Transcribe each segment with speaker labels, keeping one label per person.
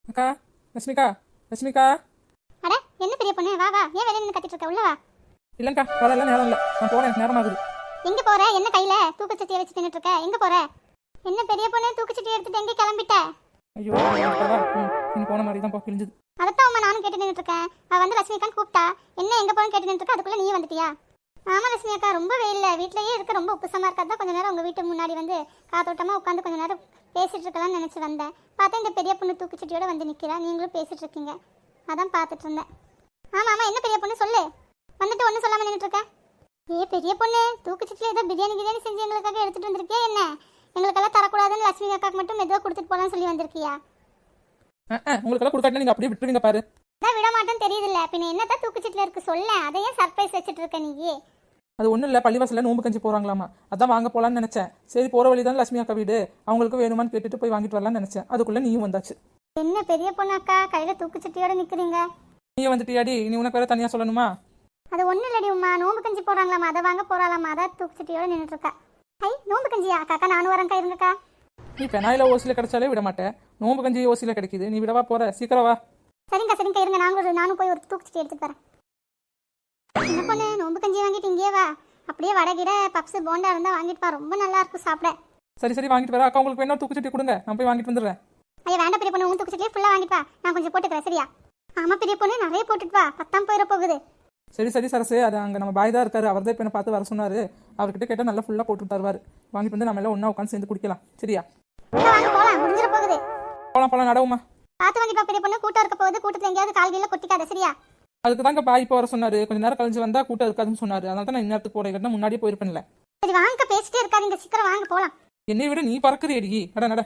Speaker 1: அக்கா, லட்சுமிக்கா, லட்சுமிக்கா.
Speaker 2: அட என்ன பெரிய பொண்ணு, வா வா. ஏன் வெளியே நின்று கத்திட்டு இருக்க? உள்ள வா.
Speaker 1: இல்லைங்கக்கா, வரலாம், நேரம் இல்லை. நான் போகிறேன், எனக்கு நேரம் ஆகுது.
Speaker 2: எங்க போற? என்ன கையில தூக்குச்சட்டியை வச்சு நின்னுட்டு இருக்க? எங்க போற? என்ன பெரிய பொண்ணு, தூக்குச்சட்டி எடுத்துட்டு எங்க கிளம்பிட்ட?
Speaker 1: ஐயோ, நீ போன மாதிரி தான் கிழிஞ்சது.
Speaker 2: அதைத்தான் அம்மா நானும் கேட்டு நின்னுட்டு இருக்கேன். அவ வந்து லட்சுமி அக்கான்னு கூப்பிட்டா, என்ன எங்க போறேன்னு கேட்டு நின்னுட்டு இருக்க. அதுக்குள்ள நீ வந்துட்டியா? ஆமா லட்சுமி அக்கா, ரொம்ப வெயில்ல வீட்லயே இருக்க ரொம்ப உப்புசமா இருக்காது. கொஞ்ச நேரம் உங்க வீட்டு முன்னாடி வந்து காத்தோட்டமா உட்காந்து கொஞ்ச நேரம் பேசிட்டு இருக்கலாம்னு நினைச்சு வந்தேன். பார்த்தா இந்த பெரிய பொண்ணு தூக்குச்சட்டியோட வந்து நிக்கிறா. நீங்களும் பேசிட்டு இருக்கீங்க, அதான் பார்த்துட்டு இருந்தேன். ஆமா ஆமா, என்ன பெரிய பொண்ணு சொல்லு. வந்துட்டு ஒன்றும் சொல்லாம நின்றுட்டு இருக்க. ஏ பெரிய பொண்ணு, தூக்குச்சட்டில ஏதோ பிரியாணி செஞ்சு எங்களுக்காக எடுத்துட்டு வந்திருக்கியா என்ன? எங்களுக்கெல்லாம் தரக்கூடாதுன்னு லட்சுமி அக்காக்கு மட்டும் மெதுவாக கொடுத்துட்டு போலான்னு சொல்லி வந்திருக்கியா?
Speaker 1: உங்களுக்கெல்லாம் கொடுக்காட்டி நீங்க அப்படியே விட்டுருவீங்க பாரு.
Speaker 2: அதான் விட மாட்டேன்னு தெரியுதுல்ல, பின்ன என்னதான் தூக்குச்சட்டில இருக்கு சொல்ல. அதையே சர்ப்ரைஸ் வச்சுட்டு இருக்க நீ?
Speaker 1: அது ஒன்றும் இல்லை, பள்ளிவாசலில் நோம்பு கஞ்சி போகிறாங்களாமா, அதான் வாங்க போகலான்னு நினச்சேன். சரி, போகிற வழி தான் லட்சுமி அக்கா வீடு, அவங்களுக்கு வேணுமான்னு கேட்டுட்டு போய் வாங்கிட்டு வரலான்னு நினச்சேன். அதுக்குள்ளே நீயும் வந்தாச்சு.
Speaker 2: என்ன பெரிய பொண்ணு அக்கா, கையில தூக்குச்சட்டியோட நிக்கிறீங்க?
Speaker 1: நீ வந்துட்டியாடி, நீ உனக்கு வேற தனியாக சொல்லணுமா?
Speaker 2: அது ஒன்றும் இல்லடி உமா, நோம்பு கஞ்சி போடுறாங்களாமா, அதை வாங்க போறாளாமா, அதான் தூக்குச்சட்டியோட நின்றுட்டு இருக்கா. ஐ, நோம்பு கஞ்சியா? அக்கா நானும் வரேன், கை இருங்கக்கா.
Speaker 1: நீ பெனாயில ஓசியில் கிடைச்சாலே விட மாட்டேன், நோம்பு கஞ்சி ஓசியில் கிடைக்குது, நீ விடவா போற? சீக்கிரம் வா.
Speaker 2: சரிங்கக்கா இருங்க, நானும் போய் ஒரு தூக்குச்சட்டி எடுத்துட்டு வரேன். என்ன பொண்ணு, நோம்பு கஞ்சி வாங்கிட்டு இங்கே வா. அப்படியே வடகிட பப்ஸ் போண்டா இருந்தா வாங்கிட்டு வா, ரொம்ப நல்லா இருக்கும் சாப்பிட.
Speaker 1: சரி வாங்கிட்டு வர. அக்கா உங்களுக்கு வேணா தூக்குச்சட்டி கொடுங்க, நான் போய் வாங்கிட்டு வந்துடுறேன்.
Speaker 2: ஐயா வேண்டாம் பெரிய பொண்ணு, உன் தூக்குச்சட்டியே ஃபுல்லா வாங்கிட்டு வா, நான் கொஞ்சம் போட்டுக்கிறேன் சரியா? ஆமா பெரிய பொண்ணு, நிறைய போட்டுட்டு வா, பத்தாம் போயிட போகுது.
Speaker 1: சரி சரசு, அது அங்கே நம்ம பாய் தான் இருக்காரு, அவர் தான் இப்போ என்ன பார்த்து வர சொன்னாரு. அவர்கிட்ட கேட்டால் நல்லா ஃபுல்லாக போட்டு தருவார். வாங்கிட்டு வந்து நம்ம எல்லாம் ஒன்றா உட்காந்து சேர்ந்து குடிக்கலாம், சரியா?
Speaker 2: வாங்க போலாம், முடிஞ்சிட போகுது.
Speaker 1: போலாம் நடவுமா.
Speaker 2: பார்த்து வாங்கிட்டு வா பெரிய பொண்ணு, கூட்டம் இருக்க போகுது, கூட்டத்தில் எங்கேயாவது கால்கையில கொட்டிக்காத சரியா?
Speaker 1: அதுக்கு தாங்க பாய் இப்போ வர சொன்னாரு, கொஞ்சம் நேரம் கழிஞ்சு வந்தா கூட்டம் இருக்காதுன்னு சொன்னாரு. அதனால தான் நான் இன்னத்துக்கு போறேன், முன்னாடியே போயிருப்பேன்ல.
Speaker 2: சரி வாங்க, பேசிட்டே இருக்காதீங்க, சீக்கிரம் வாங்க போலாம்.
Speaker 1: என்னை விட நீ பறக்குறேடி, நட.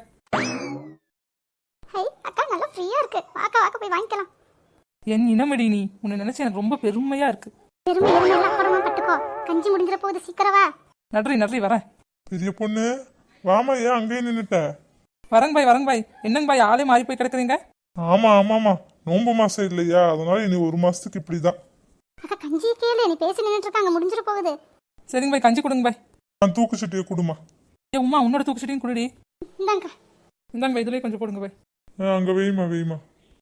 Speaker 2: ஹை அக்கா, நல்லா ஃப்ரீயா இருக்கு, வாக்க போய் வாங்கிக்கலாம்.
Speaker 1: என் இனமடி, நீ உன்னை நினைச்சு எனக்கு ரொம்ப பெருமையா இருக்கு.
Speaker 2: பெருமை அப்புறமா பட்டுக்கோ, கஞ்சி முடிஞ்சிட போகுது, சீக்கிரம் வா.
Speaker 1: நன்றி வரேன்.
Speaker 3: பெரிய பொண்ணு வாமா, ஏன் அங்கேயே நின்னுட்ட?
Speaker 1: வரங்க பாய். என்னங்க பாய், ஆளே மாறி போய் கிடக்குறீங்க?
Speaker 3: ஆமாமா, நோம்பு மாசம் இல்லையா, அதனால இனி ஒரு மாசத்துக்கு இப்படிதான்.
Speaker 2: அக்கா கஞ்சி கேளு, நீ பேசி நின்னுட்டு இருக்காங்க, முடிஞ்சிட போகுது.
Speaker 1: சரிங்க பாய், கஞ்சி கொடுங்க பாய்.
Speaker 3: நான் தூக்குச்சட்டியை கொடுமா.
Speaker 1: ஏ உமா, உன்னோட தூக்குச்சட்டியும் குடுடி.
Speaker 2: இந்தாங்க
Speaker 1: பாய், இதுலயே கொஞ்சம் போடுங்க பாய்.
Speaker 3: அங்க வெய்மா.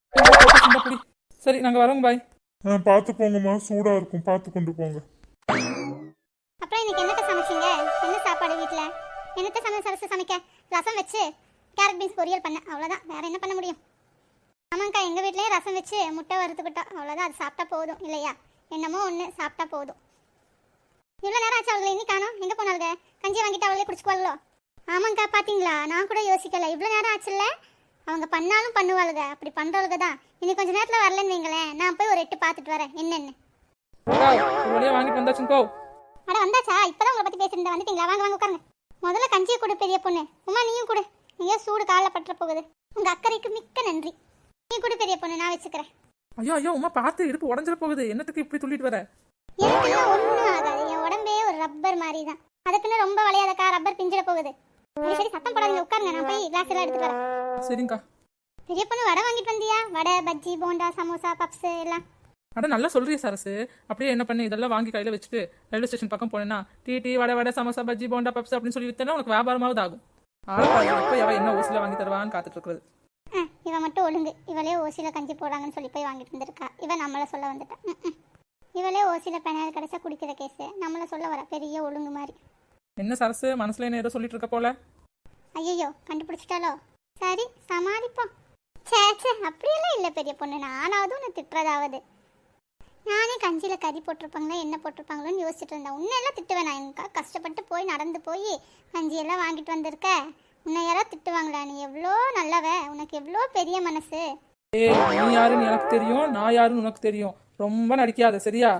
Speaker 1: சரி, நாங்க வரோங்க பாய்.
Speaker 3: பார்த்து போங்கம்மா, சூடா இருக்கும், பார்த்து கொண்டு போங்க.
Speaker 2: அப்புறம் இன்னைக்கு என்னத்த சமைச்சீங்க? என்ன சாப்பாடு வீட்டுல? என்னத்த சமைக்க? ரசம் வச்சு கேரட் பீன்ஸ் பொரியல் பண்ண, அவ்வளவுதான். வேற என்ன பண்ண முடியும்? ஆமாங்கக்கா, எங்க வீட்லயே ரசம் வச்சு முட்டை வறுத்துக்கிட்டோம், அவ்வளவுதான். அது சாப்பிட்டா போதும் இல்லையா? என்னமோ ஒண்ணு சாப்பிட்டா போதும். இவ்வளவு நேரம் ஆச்சு, அவங்களை இன்னி காணோம், எங்க போனாங்க? கஞ்சி வாங்கிட்டு அவங்களே குடிச்சுக்குவாங்களோ? ஆமாங்கக்கா, பாத்தீங்களா, நான் கூட யோசிக்கல, இவ்வளவு நேரம் ஆச்சுல்ல. அவங்க பண்ணாலும் பண்ணுவாளுங்க, அப்படி பண்றவங்க தான். இன்னைக்கு கொஞ்ச நேரத்துல வரலன்னு வைங்களேன், நான் போய் ஒரு எட்டு பார்த்துட்டு வரேன் என்னன்னு.
Speaker 1: ஒரு வழியா வாங்கிட்டு வந்தாச்சுங்கோ.
Speaker 2: அட வந்தாச்சா? இப்பதான் உங்களை பத்தி பேசிட்டு வந்துட்டீங்களா? வாங்க உட்காருங்க. முதல்ல கஞ்சியை கொடு பெரிய பொண்ணு. உமா நீயும் கொடு, நீங்க சூடு காலில் பற்ற போகுது. உங்க அக்கறைக்கு மிக்க நன்றி. நீ கொடு பெரிய பொண்ணு, நான் வச்சுக்கிறேன்.
Speaker 1: ஐயோ உமா, பார்த்து இடுப்பு உடஞ்சிட போகுது, என்னத்துக்கு இப்படி துள்ளிட்டு வர?
Speaker 2: எனக்குலாம் ஒன்றும் ஆகாது, என் உடம்பே ஒரு ரப்பர் மாதிரி தான். அதுக்குன்னு ரொம்ப வளையாதக்கா, ரப்பர் பிஞ்சிட போகுது. சரி சத்தம் போடாதீங்க, உட்காருங்க, நான் போய் கிளாஸ் எல்லாம் எடுத்துட்டு வரேன்.
Speaker 1: சரிங்கக்கா.
Speaker 2: பெரிய பொண்ணு வடை வாங்கிட்டு வந்தியா? வடை, பஜ்ஜி, போண்டா, சமோசா, பப்ஸ் எல்லாம்.
Speaker 1: அட நல்லா சொல்றிய சரசு. அப்படியே என்ன பண்ணி இதெல்லாம் வாங்கி கையில வச்சுட்டு ரயில்வே ஸ்டேஷன் பக்கம் போனேன்னா டீ வடை சமோசா பஜ்ஜி போண்டா பப்ஸ் அப்படின்னு சொல்லி வித்தனா உனக்கு வியாபாரமாவது ஆகும். இப்போ எவ என்ன ஓசில வாங்கி தருவான்னு காத்துட்டு இருக்கிறது.
Speaker 2: இவ மட்டும் ஒழுங்கு, இவளே ஓசில கஞ்சி போடுறாங்கன்னு சொல்லி போய் வாங்கிட்டு வந்திருக்கா. இவ நம்மள சொல்ல வந்துட்டா. இவளே ஓசில பெனாயில் கிடைச்சா குடிக்கிற கேஸ், நம்மள சொல்ல வர பெரிய ஒழுங்கு மாதிரி.
Speaker 1: என்ன சரசு, மனசுல என்ன ஏதோ சொல்லிட்டு இருக்க போல?
Speaker 2: ஐயோ கண்டுபிடிச்சிட்டாலோ? சரி சமாளிப்போம். சே அப்படியெல்லாம் இல்லை பெரிய பொண்ணு, நானாவது உன்னை திட்டுறதாவது. நானே கஞ்சியில கறி போட்டிருப்பாங்களா என்ன போட்டிருப்பாங்களோன்னு யோசிச்சுட்டு இருந்தேன். உன்னையெல்லாம் திட்டுவேன் நான்? எனக்கா கஷ்டப்பட்டு போய் நடந்து போய் கஞ்சியெல்லாம் வாங்கிட்டு வந்திருக்க, உன்னை யாராவது திட்டுவாங்களா? நீ எவ்வளோ நல்லவ, உனக்கு எவ்வளோ பெரிய மனசு.
Speaker 1: நீ யாருன்னு எனக்கு தெரியும், நான் யாருன்னு உனக்கு தெரியும், ரொம்ப நடிக்காத சரியா?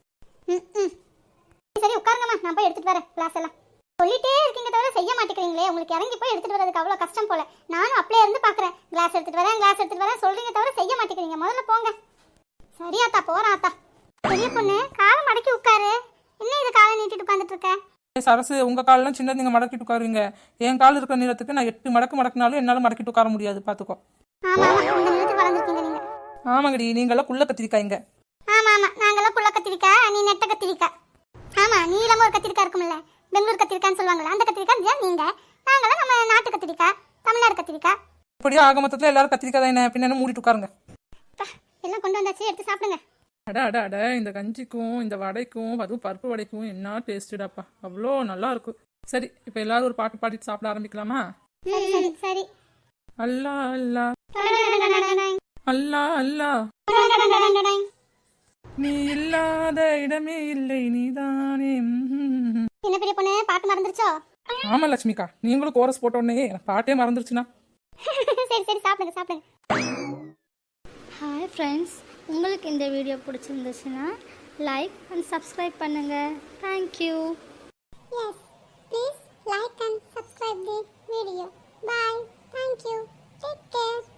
Speaker 2: சரி உட்காருங்கம்மா, நான் போய் எடுத்துட்டு வரேன் கிளாஸ் எல்லாம். சொல்லிட்டே இருக்கீங்க தவிர செய்ய மாட்டேங்கிறீங்களே, உங்களுக்கு இறங்கி போய் எடுத்துட்டு வரதுக்கு அவ்வளோ கஷ்டம் போல. நானும் அப்படியே இருந்து பார்க்குறேன், கிளாஸ் எடுத்துட்டு வரேன் சொல்றீங்க தவிர செய்ய மாட்டேங்கிறீங்க. முதல்ல போங்க. சரியாத்தா, போறேன் ஆத்தா. பெரிய பொண்ணு காலம் மடக்கி உட்காரு. என்ன இது காலை நீட்டிட்டு உட்காந்துட்டு இருக்க?
Speaker 1: சரசு, உங்க காலெல்லாம் சின்னது, நீங்க மடக்கிட்டு உட்காருவீங்க. என் கால் இருக்கிற நீளத்துக்கு நான் 8 மடக்கு மடக்கினாலும் என்னால மடக்கிட்டு உட்கார முடியாது, பாத்துக்கோ.
Speaker 2: ஆமா இந்த நிலத்துக்கு வளர்ந்துருக்கீங்க நீங்க.
Speaker 1: ஆமாங்கடி, நீங்கெல்லாம் குள்ள கத்திரிக்காய்ங்க.
Speaker 2: ஆமா நாங்கெல்லாம் குள்ள கத்திரிக்காய், நீ நெட்ட கத்திரிக்காய். ஆமா நீளமா ஒரு கத்திரிக்காய் இருக்கும்ல, பெங்களூர் கத்திரிக்காய்ன்னு சொல்லுவாங்கல்ல, அந்த கத்திரிக்காய் நீங்க. நாங்களாம் நம்ம நாட்டு கத்திரிக்காய், தமிழ்நாடு கத்திரிக்காய்.
Speaker 1: இப்படியே ஆக மொத்தத்தில் எல்லாரும் கத்திரிக்காய் என்ன பின்ன மூடிட்டு உட்காருங்க.
Speaker 2: அப்பா, எல்லாம் கொண்டு வந்தாச்சு, எடுத்து சாப்பிடுங்க.
Speaker 1: அட அட அட இந்த கஞ்சிக்கும் இந்த வடைக்கும் அதுவும் பருப்பு வடைக்கும் என்ன டேஸ்ட்டுடாப்பா, அவ்வளோ நல்லா இருக்கும். சரி இப்போ எல்லாரும் ஒரு பாட்டு பாடிட்டு சாப்பிட ஆரம்பிக்கலாமா?
Speaker 2: சரி சரி சரி.
Speaker 1: அல்லா அல்லா அல்லா அல்லா நீ இல்லாத இடமே இல்லை நீதானே.
Speaker 2: என்ன பெரிய பொண்ணு, பாட்டு மறந்துருச்சோ?
Speaker 1: ஆமா லட்சுமிக்கா, நீங்களும் கோரஸ் போட்ட உடனே எனக்கு பாட்டே மறந்துருச்சுன்னா.
Speaker 2: சரி சரி, சாப்பிடுங்க சாப்பிடுங்க.
Speaker 4: ஹாய் ஃப்ரெண்ட்ஸ், உங்களுக்கு இந்த வீடியோ பிடிச்சிருந்துச்சுன்னா லைக் அண்ட் சப்ஸ்கிரைப் பண்ணுங்கள். Thank you.
Speaker 2: Yes, please like and subscribe the video. Bye. Thank you. Take care.